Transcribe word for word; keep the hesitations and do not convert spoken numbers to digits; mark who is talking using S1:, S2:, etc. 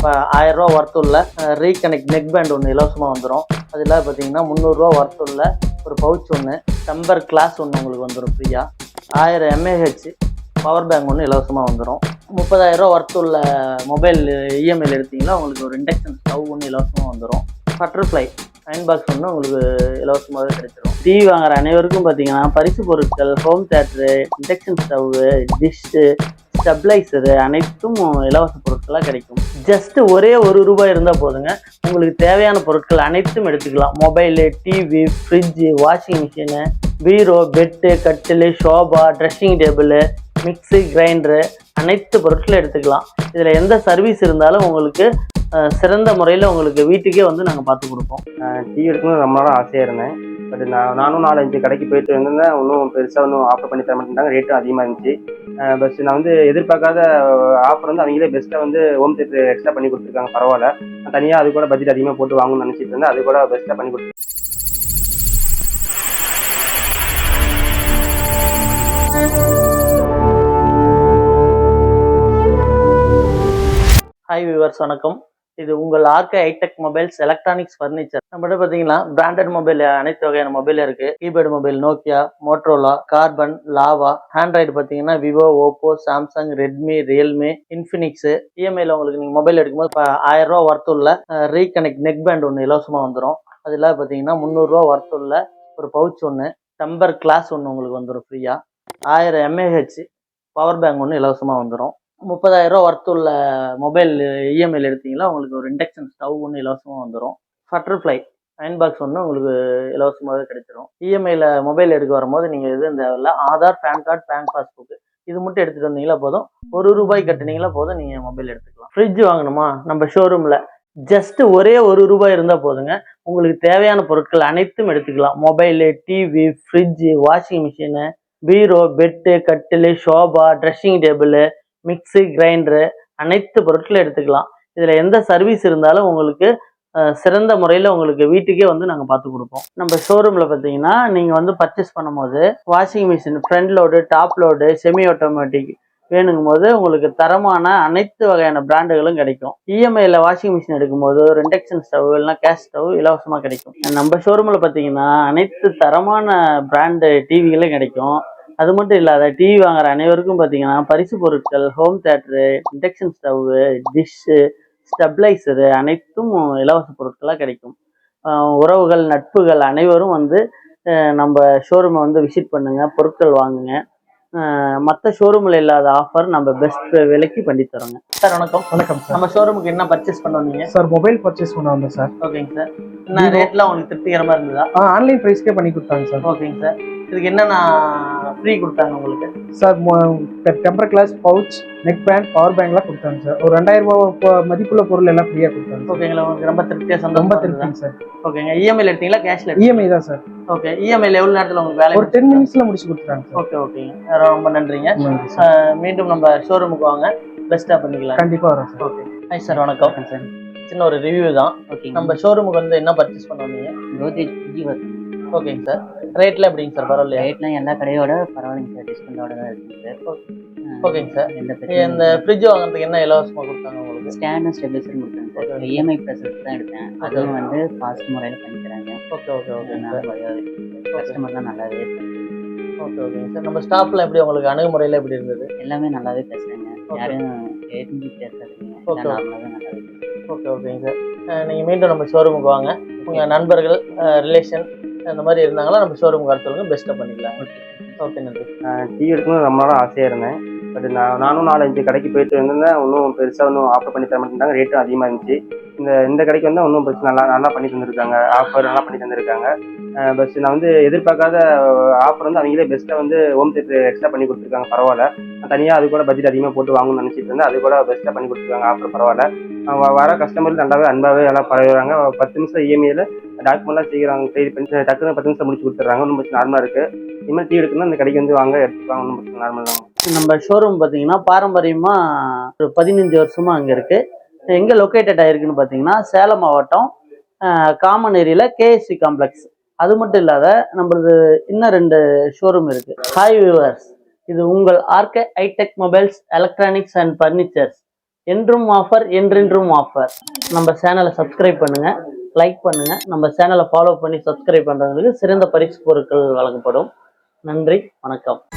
S1: இப்போ ஆயிரம் ரூபா ஒர்த் உள்ள ரீகனெக்ட் நெக் பேண்ட் ஒன்று இலவசமாக வந்துடும். அதில் பார்த்தீங்கன்னா முந்நூறுரூவா ஒர்த் உள்ள ஒரு பவுச் ஒன்று, டம்பர் கிளாஸ் ஒன்று உங்களுக்கு வந்துடும் ஃப்ரீயாக. ஆயிரம் எம்ஏஹெச் பவர் பேங்க் ஒன்று இலவசமாக வந்துடும். முப்பதாயிரரூவா ஒர்த் உள்ள மொபைல் இஎம்ஐயில் எடுத்திங்கன்னா உங்களுக்கு ஒரு இண்டக்ஷன் ஸ்டவ் ஒன்று இலவசமாக வந்துடும். பட்டர்ஃப்ளை அயன் பாக்ஸ் ஒன்று உங்களுக்கு இலவசமாகவே கிடைச்சிடும். டிவி வாங்குற அனைவருக்கும் பார்த்தீங்கன்னா பரிசு பொருட்கள், home theatre, induction stove, dish, stabiliser அனைத்தும் இலவச பொருட்களாக கிடைக்கும். ஜஸ்ட் ஒரே ஒரு ரூபாய் இருந்தால் போதுங்க, உங்களுக்கு தேவையான பொருட்கள் அனைத்தும் எடுத்துக்கலாம். Mobile, TV, fridge, washing machine, bureau, bed, கட்டில், sofa, dressing table, mixie, grinder அனைத்து பொருட்களும் எடுத்துக்கலாம். இதில் எந்த சர்வீஸ் இருந்தாலும் உங்களுக்கு சிறந்த முறையில் உங்களுக்கு வீட்டுக்கே வந்து நாங்கள் பார்த்து கொடுப்போம்.
S2: டிவி எடுக்கணும்னு ரொம்ப நாளாக ஆசையாக இருந்தேன். பட் நான் நானும் நாலஞ்சு கடைக்கு போயிட்டு இருந்தேன். இன்னும் பெருசாக ஒன்றும் ஆஃபர் பண்ணி தர மாட்டேங்கிறாங்க, ரேட்டும் அதிகமாக இருந்துச்சு. பஸ் நான் வந்து எதிர்பார்க்காத ஆஃபர் வந்து அவங்களே பெஸ்ட்டாக வந்து ஹோம் தேட்டர் எக்ஸ்ட்ரா பண்ணி கொடுத்துருக்காங்க. பரவாயில்ல, நான் தனியாக அது கூட பட்ஜெட் அதிகமாக போட்டு வாங்கணும்னு நினச்சிட்டு இருந்தேன். அது கூட பெஸ்ட்டாக பண்ணி கொடுத்து
S1: ஹாய் வியூவர்ஸ், வணக்கம். இது உங்கள் RK hi tech mobiles electronics furniture. நம்மகிட்ட பார்த்தீங்கன்னா பிராண்டட் மொபைல் அனைத்து வகையான மொபைல் இருக்கு. Keypad mobile Nokia, Motorola, Karbonn, Lava. Android பார்த்தீங்கன்னா Vivo, Oppo, Samsung, Redmi, Realme, Infinix. இஎம்ஐல உங்களுக்கு நீங்கள் மொபைல் எடுக்கும்போது இப்போ ஆயிரம் ரூபா ஒர்த் உள்ள ரீகனெக்ட் நெக் பேண்ட் ஒன்று இலவசமாக வந்துடும். அதில் பார்த்தீங்கன்னா முந்நூறுரூவா ஒர்த் உள்ள ஒரு பவுச் ஒன்று, டம்பர் கிளாஸ் ஒன்று உங்களுக்கு வந்துடும் ஃப்ரீயாக. ஆயிரம் எம்ஏஹெச் பவர் பேங்க் ஒன்று இலவசமாக வந்துடும். முப்பதாயிரரூவா ஒர்த் உள்ள மொபைல் இஎம்ஐயில் எடுத்தீங்கன்னா உங்களுக்கு ஒரு இண்டக்ஷன் ஸ்டவ் ஒன்று இலவசமாக வந்துடும். பட்டர்ஃப்ளை அயன் பாக்ஸ் ஒன்று உங்களுக்கு இலவசமாகவே கிடைச்சிடும். இஎம்ஐயில் மொபைல் எடுக்க வரும்போது நீங்கள் எது இந்த Aadhaar, PAN card, bank passbook இது மட்டும் எடுத்துகிட்டு வந்தீங்களா போதும். ஒரு ரூபாய் கட்டினீங்களா போதும், நீங்கள் மொபைல் எடுத்துக்கலாம். ஃப்ரிட்ஜ் வாங்கணுமா, நம்ம ஷோரூமில் ஜஸ்ட் ஒரே ஒரு ரூபாய் இருந்தால் போதுங்க, உங்களுக்கு தேவையான பொருட்கள் அனைத்தும் எடுத்துக்கலாம். Mobile, TV, fridge, washing machine, bureau, bed, கட்டில், sofa, dressing table, mixie, grinder அனைத்து பொருட்களும் எடுத்துக்கலாம். இதில் எந்த சர்வீஸ் இருந்தாலும் உங்களுக்கு சிறந்த முறையில் உங்களுக்கு வீட்டுக்கே வந்து நாங்கள் பார்த்து கொடுப்போம். நம்ம ஷோரூமில் பார்த்தீங்கன்னா நீங்கள் வந்து பர்ச்சேஸ் பண்ணும்போது washing machine front load, top load, semi automatic வேணுங்கும் போது உங்களுக்கு தரமான அனைத்து வகையான பிராண்டுகளும் கிடைக்கும். இஎம்ஐயில் வாஷிங் மிஷின் எடுக்கும்போது ஒரு இண்டக்ஷன் ஸ்டவ் இல்லைனா கேஸ் ஸ்டவ் இலவசமாக கிடைக்கும். நம்ம ஷோரூமில் பார்த்தீங்கன்னா அனைத்து தரமான பிராண்டு டிவிகளும் கிடைக்கும். அது மட்டும் இல்லாத டிவி வாங்குற அனைவருக்கும் பார்த்தீங்கன்னா பரிசு பொருட்கள், home theatre, induction stove, dish, stabiliser அனைத்தும் இலவச பொருட்களாக கிடைக்கும். உறவுகள், நட்புகள் அனைவரும் வந்து நம்ம ஷோரூமை வந்து விசிட் பண்ணுங்கள், பொருட்கள் வாங்குங்க. மற்ற ஷோரூமில் இல்லாத ஆஃபர் நம்ம பெஸ்ட் விலைக்கு பண்ணி தரோங்க. சார் வணக்கம்.
S3: வணக்கம் சார்.
S1: நம்ம ஷோரூமுக்கு என்ன பர்ச்சேஸ் பண்ண வந்தீங்க?
S3: சார் மொபைல் பர்ச்சேஸ் பண்ண வந்தேன் சார்.
S1: ஓகேங்க சார். என்ன ரேட்லாம் உங்களுக்கு திருப்திகரமாக இருந்ததா?
S3: ஆ ஆன்லைன் ப்ரைஸ்க்கே பண்ணி கொடுத்தாங்க சார்.
S1: ஓகேங்க சார். இதுக்கு என்னென்ன ஃப்ரீ கொடுத்தாங்க உங்களுக்கு?
S3: Sir temper glass, pouch, neck band, power பேங்க்லாம் கொடுத்தாங்க சார். ஒரு ரெண்டாயிரம் ரூபாய் மதிப்புள்ள பொருள் எல்லாம் ஃப்ரீயாக கொடுத்தாங்க.
S1: ஓகேங்களா, உங்களுக்கு ரொம்ப திருப்தியாக சந்தோஷம்?
S3: ரொம்ப திருப்திங்க சார்.
S1: ஓகேங்க. இஎம்ஐல எடுத்தீங்களா, கேஷ்ல?
S3: இஎம்ஐ தான் சார்.
S1: ஓகே. இஎம்ஐல எவ்வளவு நேரத்தில் உங்களுக்கு வேலை?
S3: ஒரு டென் மினிட்ஸ்ல முடிச்சு கொடுத்துறாங்க சார்.
S1: ஓகே ஓகேங்க, ரொம்ப நன்றிங்க. மீண்டும் நம்ம ஷோரூமுக்கு வாங்க, பெஸ்ட்டாக பண்ணிக்கலாம்.
S3: கண்டிப்பாக வரோம் சார்.
S1: ஓகே. ஹாய் சார், வணக்கம் சார். சின்ன ஒரு ரிவ்யூ தான். ஓகே. நம்ம ஷோரூமுக்கு வந்து என்ன பர்ச்சேஸ் பண்ண வந்தீங்க?
S4: கோத்ரேஜ் ஃப்ரிட்ஜ் வருது.
S1: ஓகேங்க சார். ரேட்லாம் எப்படிங்க சார்? பரவாயில்லையா?
S4: ரேட்லாம் எல்லா கடையோட பரவாயில்லைங்க சார், டிஸ்கவுண்டோட தான் இருக்குங்க சார்.
S1: ஓகேங்க சார்.
S4: எந்த
S1: இந்த
S4: பிரச்சனையும்
S1: ஃப்ரிட்ஜ் வாங்குறதுக்கு என்ன இலவசமாக கொடுத்தாங்க உங்களுக்கு?
S4: ஸ்டாண்டும் ஸ்டெபிலைசரும் கொடுத்தாங்க சார். இஎம்ஐ ப்ராசஸ் தான் எடுத்தேன், அதுவும் வந்து ஃபாஸ்ட் முறையில் பண்ணி தராங்க.
S1: ஓகே ஓகே ஓகேங்க சார்.
S4: கஸ்டமர் தான் நல்லாவே
S1: ஓகே ஓகேங்க சார். நம்ம ஸ்டாஃப்லாம் எப்படி, உங்களுக்கு அணுகுமுறையில் எப்படி இருந்தது?
S4: எல்லாமே நல்லாவே பேசுகிறாங்க, யாரும் தெரிஞ்சு பேசுறதுங்க. நார்மலாக தான் நல்லாவே.
S1: ஓகே ஓகேங்க சார். நீங்கள் மீண்டும் நம்ம ஷோரூமுக்கு வாங்க, உங்கள் நண்பர்கள், ரிலேஷன் அந்த மாதிரி இருந்தாங்களா நம்ம ஷோரூமுக்கு வர சொல்லுங்கள், பெஸ்ட்டாக பண்ணிக்கலாம். ஓகே ஓகே, நன்றி.
S2: டிவி எடுக்கணும்னு ரொம்ப நாளாக ஆசையாக இருந்தேன். பட் நான் நானும் நாலஞ்சு கடைக்கு போயிட்டு இருந்தேன். இன்னும் பெருசாக ஒன்றும் ஆஃபர் பண்ணி தர மாட்டேங்கிறாங்க, ரேட்டும் அதிகமாக இருந்துச்சு. இந்த இந்த கடைக்கு வந்து இன்னும் பெருசு நல்லா நல்லா பண்ணி தந்துருக்காங்க, ஆஃபர் நல்லா பண்ணி தந்திருக்காங்க. பஸ் நான் வந்து எதிர்பார்க்காத ஆஃபர் வந்து அவங்களே பெஸ்ட்டாக வந்து ஹோம் தேட்டர் எக்ஸ்ட்ரா பண்ணி கொடுத்துருக்காங்க. பரவாயில்ல, நான் தனியாக அது கூட பட்ஜெட் அதிகமாக போட்டு வாங்கணும்னு நினச்சிட்டு இருந்தேன். அது கூட பெஸ்ட்டாக பண்ணி கொடுத்துருக்காங்க, ஆஃபர் பரவாயில்ல. வர கஸ்டமர் நல்லாவே அன்பாகவே எல்லாம் பரவாயில்றாங்க. பத்து நிமிஷம் இஎம்ஐயில் டாக்குமெண்ட்லாம் செய்கிறாங்க, க்ளியர் பண்ணி டக்குன்னு பத்து நிமிஷம் முடிச்சு கொடுத்துட்றாங்க. ஒன்றும் பிரச்சனை நார்மலாக இருக்குது. இனிமேல் டீ எடுக்கணும்னா இந்த கடைக்கு வந்து வாங்க, எடுத்துப்பாங்க, ஒன்றும் பிரச்சனை நார்மல் தான்.
S1: நம்ம ஷோரூம் பார்த்தீங்கன்னா பாரம்பரியமாக ஒரு பதினஞ்சு வருஷமாக அங்கே இருக்குது. எங்கே லொக்கேட்டட் ஆகிருக்குன்னு பார்த்தீங்கன்னா சேலம் மாவட்டம் காமன் ஏரியில் கேஎஸ்சி காம்ப்ளெக்ஸ். அது மட்டும் இல்லாத நம்மளது இன்னும் ரெண்டு ஷோரூம் இருக்குது. ஹாய் வியூவர்ஸ், இது உங்கள் RK hi tech mobiles electronics and furnitures. என்றும் ஆஃபர் என்றென்றும் ஆஃபர். நம்ம சேனலை சப்ஸ்கிரைப் பண்ணுங்க, லைக் பண்ணுங்க. நம்ம சேனலை ஃபாலோ பண்ணி சப்ஸ்கிரைப் பண்றவங்களுக்கு சிறந்த பரிசு பொருட்கள் வழங்கப்படும். நன்றி, வணக்கம்.